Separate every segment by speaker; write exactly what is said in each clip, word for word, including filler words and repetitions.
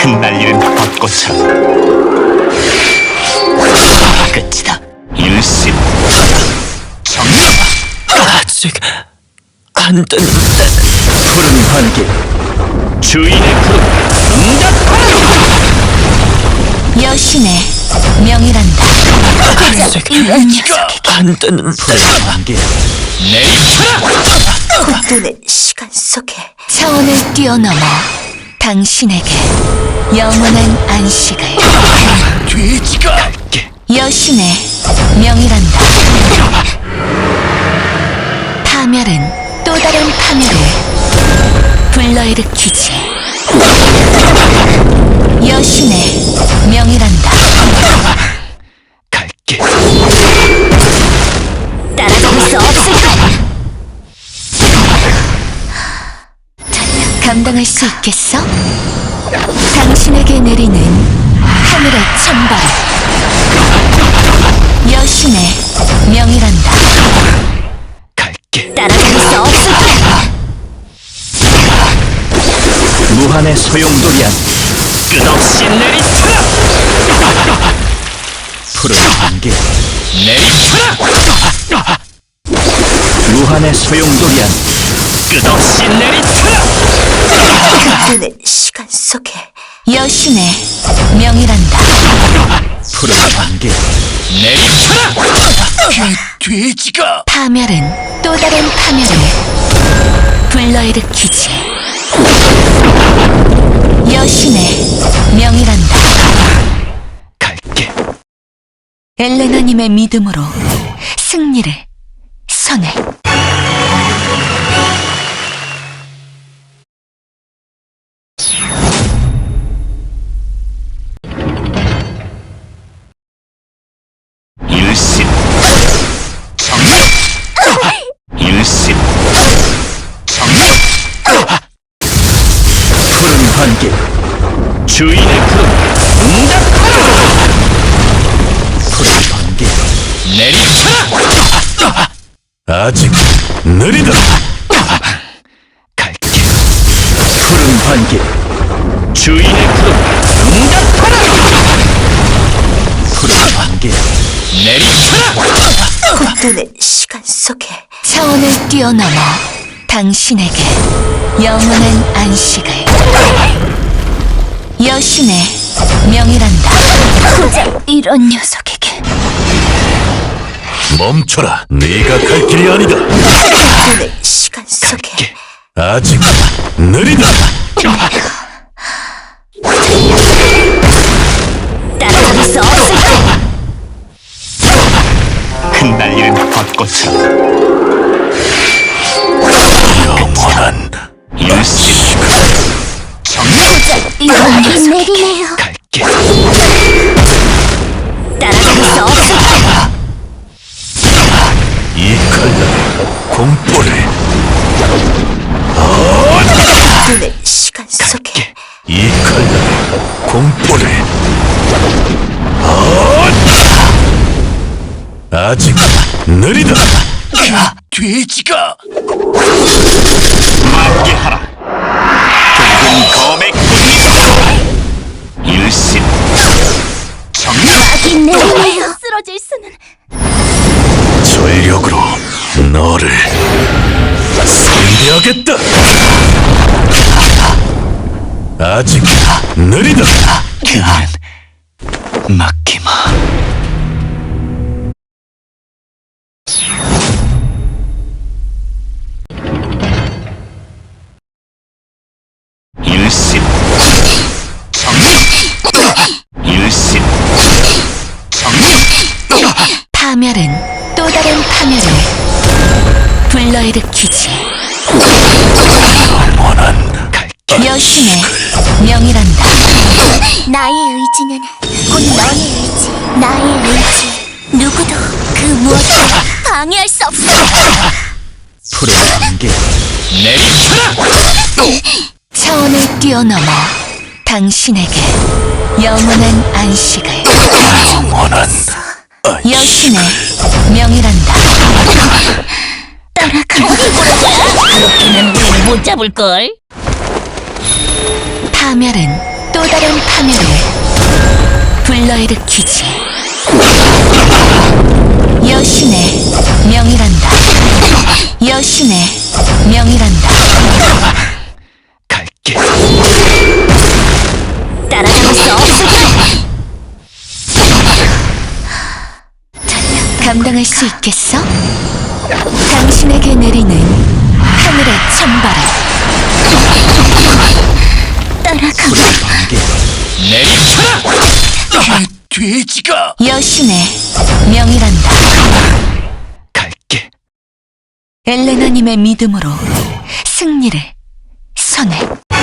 Speaker 1: 흩날리는 벚꽃처럼 끝이다. 일심 정령.
Speaker 2: 아직 안 됐는데.
Speaker 1: 푸른 반길 주인의 구름 응답하라.
Speaker 3: 여신의 명이란다.
Speaker 2: 아직 안 됐는데.
Speaker 1: 푸른 반길 내리쳐라.
Speaker 3: 눈의 시간 속에 차원을 뛰어넘어 당신에게 영원한 안식을.
Speaker 1: 돼지가 갈게.
Speaker 3: 여신의 명이란다. 파멸은 또 다른 파멸을 불러일으키지. 여신의 명이란다.
Speaker 1: 갈게.
Speaker 3: 따라잡을 수 없을까? 감당할 수 있겠어? 당신에게 내리는 하늘의 천벌. 여신의 명이란다.
Speaker 1: 갈게.
Speaker 3: 따라잡을 수 없을까?
Speaker 1: 무한의 소용돌이야. 끝없이 내리쳐라. 푸른 반길 내리쳐라. 무한의 소용돌이야. 끝없이 내리쳐라.
Speaker 3: 눈의 시간 속에 여신의 명이란다.
Speaker 1: 푸른 반길 내리쳐라. 돼지가
Speaker 3: 파멸은 또 다른 파멸을 불러일으키지. 여신의 명이란다.
Speaker 1: 갈게.
Speaker 3: 엘레나님의 믿음으로 승리를 선해.
Speaker 1: 일심 정령. 일심 정령. 푸른 반길 주인의 구름 응답하라. 푸른 반길 내리쳐라. 아직 느리다. 갈게. 푸른 반길 주인의 구름 응답하라. 푸른 반길 내리쳐라.
Speaker 3: 눈의 시간 속에 차원을 뛰어넘어 당신에게 영원한 안식을. 여신의 명이란다. 고작 이런 녀석에게.
Speaker 1: 멈춰라. 네가 갈 길이 아니다.
Speaker 3: 눈의 시간 속에
Speaker 1: 아직 느리다.
Speaker 3: 따라잡을 수 없을까?
Speaker 1: 흩날리는 벚꽃처럼 영원한 일심 정령.
Speaker 3: 이런 녀석에게 내리네요.
Speaker 1: 갈게.
Speaker 3: 따라잡을 수 없을까?
Speaker 1: 이 칼날 공포를
Speaker 3: 눈의 시간 속에
Speaker 1: 이 칼날 공포를 아직 느리다. 돼지가 만개하라. 붉은 검의 꽃잎 일심 정령.
Speaker 3: 막이 내리네요. 쓰러질 수는.
Speaker 1: 전력으로 너를 상대하겠다. 아직 느리다. 그는 막히마. 일심 정령. 일심 정령.
Speaker 3: 파멸은 또 다른 파멸을 불러일으키지.
Speaker 1: 영원한 갈게.
Speaker 3: 여신의 명이란다. 나의 의지는 곧 너의 의지. 나의 의지. 누구도 그 무엇도 방해할 수 없어.
Speaker 1: 푸른 안개 내리쳐라.
Speaker 3: 차원을 뛰어넘어 당신에게 영원한 안식을.
Speaker 1: 영원한
Speaker 3: 여신의 명이란다. 따라가. 그렇게는 우리를 못 잡을걸. 파멸은 또 또 다른 파멸을 불러일으키지. 여신의 명이란다. 여신의 명이란다.
Speaker 1: 갈게.
Speaker 3: 따라잡을 수 없을까? 감당할 수 있겠어? 당신에게 내리는 하늘의 찬바람. 따라가.
Speaker 1: 번개 내리쳐라. 돼지가
Speaker 3: 여신의 명이란다.
Speaker 1: 갈게.
Speaker 3: 엘레나님의 믿음으로 승리를 선해.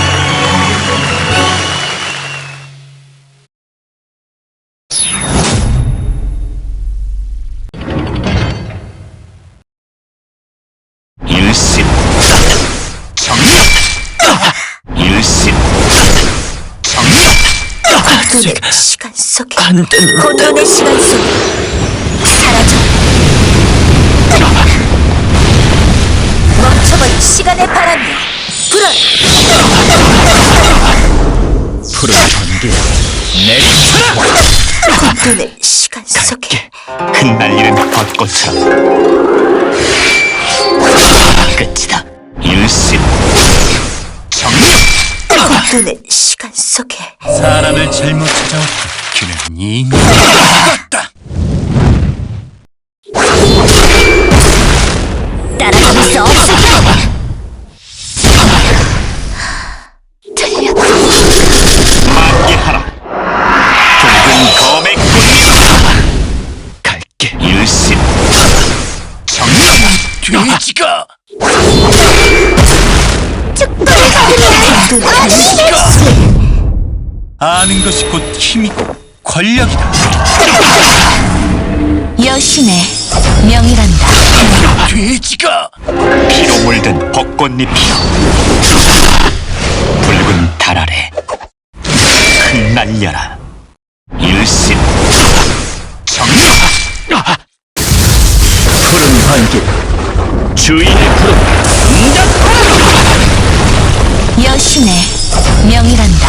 Speaker 1: 일심 정리. 일심 정리.
Speaker 3: 눈의 시간 속에
Speaker 2: 안 되는데.
Speaker 3: 혼돈의 시간 속에 사라져. 멈춰버린 시간의 바람이 불어.
Speaker 1: 푸른 번개 내리쳐라.
Speaker 3: 혼돈의 시간 속에
Speaker 1: 갈게. 흩날리는 벚꽃처럼 끝이다. 일심 정리.
Speaker 3: 혼돈의 시간 속에
Speaker 1: 사람을 잘못 찾아왔다. 그는 이미 죽었다.
Speaker 3: 따라잡을 수 없을까? 틀렸다.
Speaker 1: 만개하라. 붉은 검의 꽃잎. 갈게. 일심 정리. 돼지가
Speaker 3: 죽도록 혼돈의
Speaker 1: 아는 것이 곧 힘이고 권력이다.
Speaker 3: 여신의 명이란다.
Speaker 1: 돼지가 피로 물든 벚꽃잎이여. 붉은 달 아래 흩날려라. 일심 정리. 푸른 번개 주인의 푸른 응답하라.
Speaker 3: 여신의 명이란다.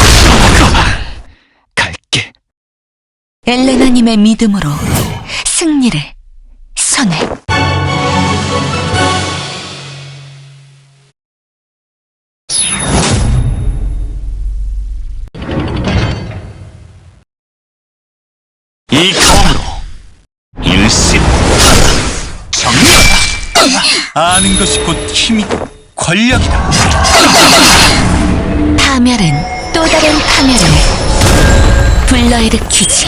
Speaker 1: 갈게.
Speaker 3: 엘레나님의 믿음으로 승리를 선해.
Speaker 1: 이 검으로 일심 정리. 아는 것이 곧 힘이고 권력이다.
Speaker 3: 파멸은 또 다른 파멸을 불러일으키지.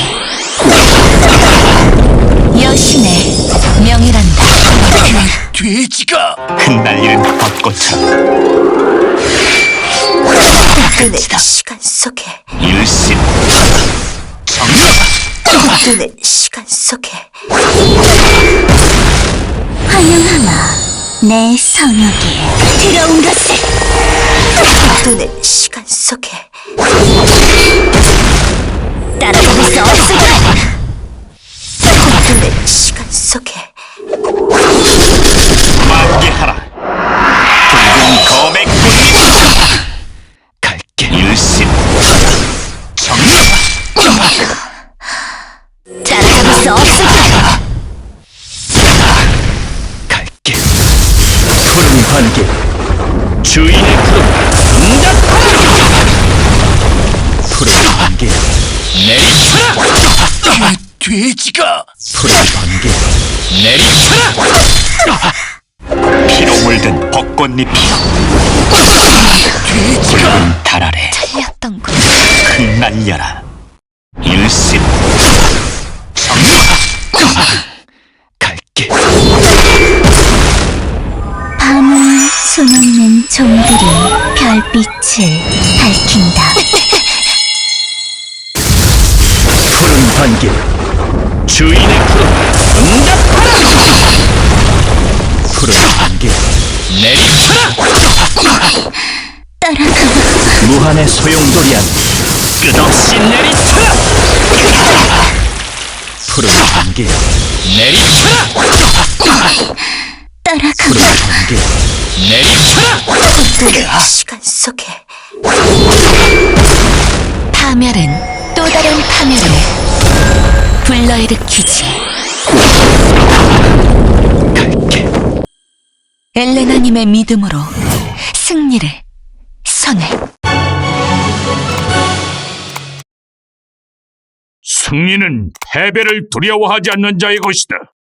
Speaker 3: 여신의 명이란다.
Speaker 1: 돼지가 흩날리는 벚꽃처럼
Speaker 3: 눈의 시간 속에
Speaker 1: 일심 정리.
Speaker 3: 눈의 시간 속에 환영하마 내 성역에 들어온 것을. 눈의 시간 속에 따라잡을 수 없을까? 눈의 시간 속에
Speaker 1: 만개하라. 붉은 검의 꽃잎. 갈게. 일심 정리.
Speaker 3: 따라잡을 수 없을까?
Speaker 1: 갈게. 푸른 번개 주인의 푸른 응답하라. 푸른 번개 내리쳐라. 돼지가 푸른 번개 내리쳐라. 피로 물든 벚꽃잎이여. 돼지가 붉은 달 아래
Speaker 3: 틀렸던 거.
Speaker 1: 흩날려라. 일심 정리. 갈게.
Speaker 3: 밤을 수놓는 종들이 별빛을 밝힌다.
Speaker 1: 푸른 번개 주인의 푸른 응답하라. 푸른 번개 내리쳐라.
Speaker 3: 따라가.
Speaker 1: 무한의 소용돌이한 끝없이 내리쳐라. 푸른 번개 내리쳐라.
Speaker 3: 따라가.
Speaker 1: 푸른 번개 내리쳐라.
Speaker 3: 눈의 시간 속에 파멸은 또 다른 파멸을 불러일으키지.
Speaker 1: 갈게.
Speaker 3: 엘레나님의 믿음으로 승리를 선해.
Speaker 4: 승리는 패배를 두려워하지 않는 자의 것이다.